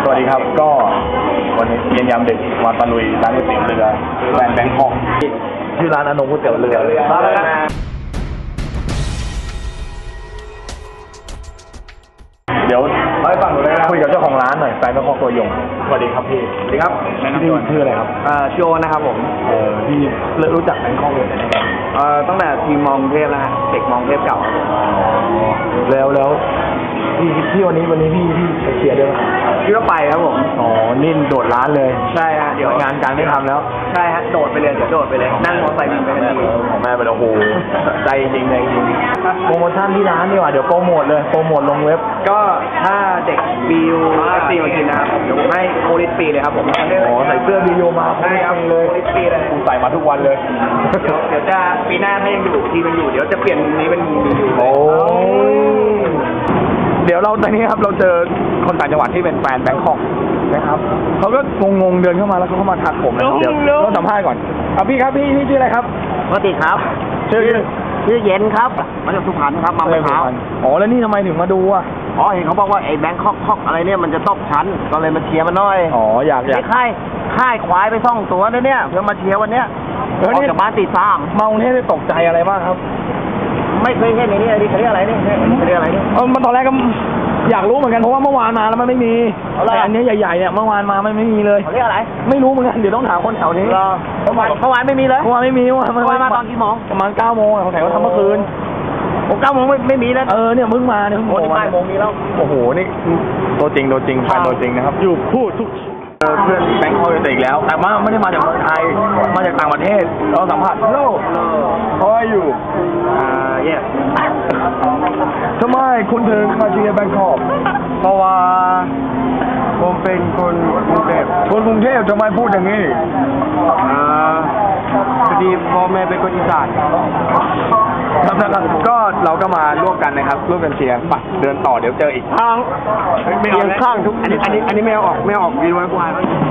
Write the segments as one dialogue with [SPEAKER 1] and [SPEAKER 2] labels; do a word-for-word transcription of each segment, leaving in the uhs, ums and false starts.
[SPEAKER 1] สวัสดีครับก็วันนี้เย็นยามดึกมาตะลุยร้านก๋วยเตี๋ยวเรือแบรนด์แบงคอกชื่อร้านอนงก๋วยเตี๋ยวเรือมาแล้วนะเดี๋ยวไปฟังหน่อยนะคุยกับเจ้าของร้านหน่อยแฟนแบงคอกตัวยงสวัสดีครับพี่สวัสดีครับพี่ชื่ออะไรครับ
[SPEAKER 2] อ่าชื่อโอนะครับผม
[SPEAKER 1] เออพี่รู้จักแบงคอกเลยไหม
[SPEAKER 2] เอ่อตั้งแต่ทีมมองเทพแล้วฮะเด็กมองเทพเก่า
[SPEAKER 1] แล้วแล้วพี่พี่วันนี้วันนี้พี่พี่ไปเชียร์ด้วยไหม
[SPEAKER 2] คิดว่าไปครับผม
[SPEAKER 1] อ๋อนี่โดดร้านเลย
[SPEAKER 2] ใช่ฮะเดี๋ยว
[SPEAKER 1] งานการไม่ทำแล้ว
[SPEAKER 2] ใช่ฮะโดดไปเลยจะโดดไปเลยนั่งมอเตอร์ไซค์บินไปทันที
[SPEAKER 1] ของแม่ไปแล้วโอ้โหใจจริงใจจริงโปรโมชั่นที่ร้านดีกว่าเดี๋ยวโปรโมทเลยโปรโมทลงเว็บ
[SPEAKER 2] ก็ถ้าเด็กบิวซีมากินนะครับเดี๋ยวผมให้โคลิสฟรีเลยครับผม
[SPEAKER 1] อ๋อใส่เสื้อบิวมา
[SPEAKER 2] ใช่ครับ
[SPEAKER 1] เลย
[SPEAKER 2] โคลิสฟรีเลย
[SPEAKER 1] กูใส่มาทุกวันเลย
[SPEAKER 2] เดี๋ยวเดี๋ยวจะปีหน้าถ้ายังอยู่ทีมันอยู่เดี๋ยวจะเปลี่ยนมุมนี้เป็นมุมบิว
[SPEAKER 1] โอ้เดี๋ยวเราตอนนี้ครับเราเจอคนต่างจังหวัดที่เป็นแฟนแบงคอกนะครับเขาก็งงๆเดินเข้ามาแล้วเขาก็มาทักผมนะเดี๋ยวเราสัมภาษณ์ก่อนเอาพี่ครับพี่พี่ชื่ออะไรครับ
[SPEAKER 2] สวัสดีครับ
[SPEAKER 1] ชื่อ
[SPEAKER 2] ชื่อเย็นครับมาจากสุพรรณครับมาเมื่อเช้า
[SPEAKER 1] อ๋อแล้วนี่ทำไมถึงมาดูอ่ะ
[SPEAKER 2] อ๋อเห็นเขาบอกว่าไอ้แบงคอกคอกอะไรเนี่ยมันจะตกชั้นก็เลยมาเชียร์มันหน่อย
[SPEAKER 1] อ๋ออยากอยาก
[SPEAKER 2] ค่ายค่ายควายไปซ่องตัวนะเนี่ยเพื่อมาเชียร์วันเนี้ยออกจากบ้านตีสาม
[SPEAKER 1] มากรุงเทพได้ตกใจอะไรบ้างครับ
[SPEAKER 2] ไม่เคยเห็นในนี้อะไรเขาเรียกอะไรนี่เขาเรียกอะไรนี่
[SPEAKER 1] เออมันตอนแรกก็อยากรู้เหมือนกันเพราะว่าเมื่อวานมาแล้วมันไม่มีแต่อันนี้ใหญ่ๆเนี่ยเมื่อวานมาไม่ไม่มีเลย
[SPEAKER 2] เขาเรียกอะไร
[SPEAKER 1] ไม่รู้เหมือนกันเดี๋ยวต้องถามคนแถวนี้
[SPEAKER 2] เมื่อวานเมื่อวานไม่มีเลย
[SPEAKER 1] เมื่อวานไม่มีเมื่อวาน
[SPEAKER 2] มาตอนกี่โมง
[SPEAKER 1] ประมาณเก้าโมงของแถวทำเมื่อคืน
[SPEAKER 2] ผมเก้าโมงไม่ไม่มีแล้ว
[SPEAKER 1] เออเนี่ยมึงมาเนี่ยมึง
[SPEAKER 2] โอ้ยบ่ายโมงนี้แล้ว
[SPEAKER 1] โอ้โหนี่ตัวจริงตัวจริงแฟนตัวจริงนะครับอยู่พูดทุกเพื่อนแบงค์คอยอีกแล้วแต่ว่าไม่ได้มาจากเมืองไทยมาจากต่างประเทศเราสัมผัสโลกเขาอยู่
[SPEAKER 2] อ่าเย่
[SPEAKER 1] ทำไมคุณถึงมาเชียร์แบงคอก
[SPEAKER 2] เพราะว่าผมเป็นคนกรุงเทพ
[SPEAKER 1] คนกรุงเทพทำไมพูดอย่างนี้
[SPEAKER 2] อ่าพอดีพ่อแม่เป็นคนอีสาน
[SPEAKER 1] ครับนะครับก็เราก็มาร่วมกันนะครับร่วมกันเชียร์ไปเดินต่อเดี๋ยวเจออีก
[SPEAKER 2] ทางเรียงข้างทุกอันนี้อันนี้อันนี้ไม่เอาออกไม่ออกวินไว้กูหาย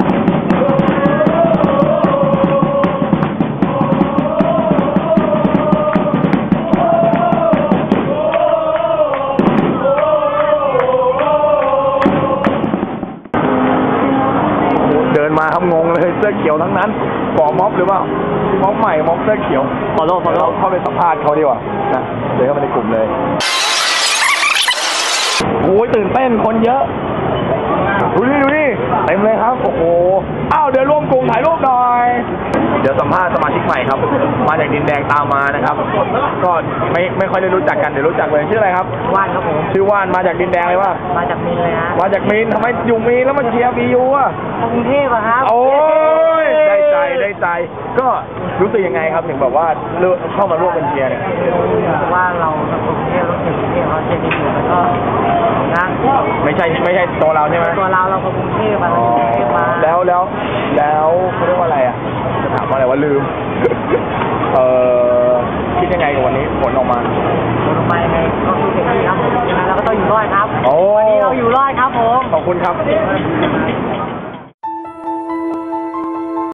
[SPEAKER 1] เดินมาครับงงเลยเสื้อเขียวทั้งนั้นก่อม็อบหรือเปล่าม็อบใหม่ม็อบเสื้อเขียว
[SPEAKER 2] ขอโทษขอโทษ
[SPEAKER 1] เข้าไปสัมภาษณ์เขาดีกว่านะเดินเข้ามาในกลุ่มเลยโอ้ยตื่นเต้นคนเยอะดูนี่ดูนี่เต็มเลยครับโอ้โหอ้าวเดี๋ยวร่วมกลุ่มถ่ายรูปหน่อยเดี๋ยวสัมภาษณ์สมาชิกใหม่ครับมาจากดินแดงตามมานะครับก็ไม่ไม่ค่อยได้รู้จักกันเดี๋ยวรู้จักเลยชื่ออะไรครับ
[SPEAKER 2] ว่านครับผม
[SPEAKER 1] ชื่อว่านมาจากดินแดงเลยว่า
[SPEAKER 2] มาจากมีนเลยฮะ
[SPEAKER 1] มาจากมีนทำไมอยู่มีนแล้วมาเชียร์บียูอ่ะ
[SPEAKER 2] กรุงเทพอะครับ
[SPEAKER 1] โอ้ยได้ใจได้ใจก็รู้สึกยังไงครับถึงแบบว่าเข้ามาร่วมกันเชียร์เนี่ย
[SPEAKER 2] ว่าเรากรุงเทพเราเชียร์กรุงเทพเราเชียร์ดีอยู่แล้วก็นะ
[SPEAKER 1] ไม่ใช่ไม่ใช่ตัวเราใช่ไหม
[SPEAKER 2] ตัวเราเรากรุงเทพมาเรากรุงเทพมา
[SPEAKER 1] แล้วแล้วแล้วเขาเรียกว่าอะไรอ่ะจะถามว่าอะไรว่าลืมเอ่อคิดยังไงกับวันนี้ผลออกมา
[SPEAKER 2] ผลออกมาไงก็คือเด็กดีครับผมยังไงเราก็ต้องอยู่รอดครับวันนี้เราอยู่รอดครับผม
[SPEAKER 1] ขอบคุณครับ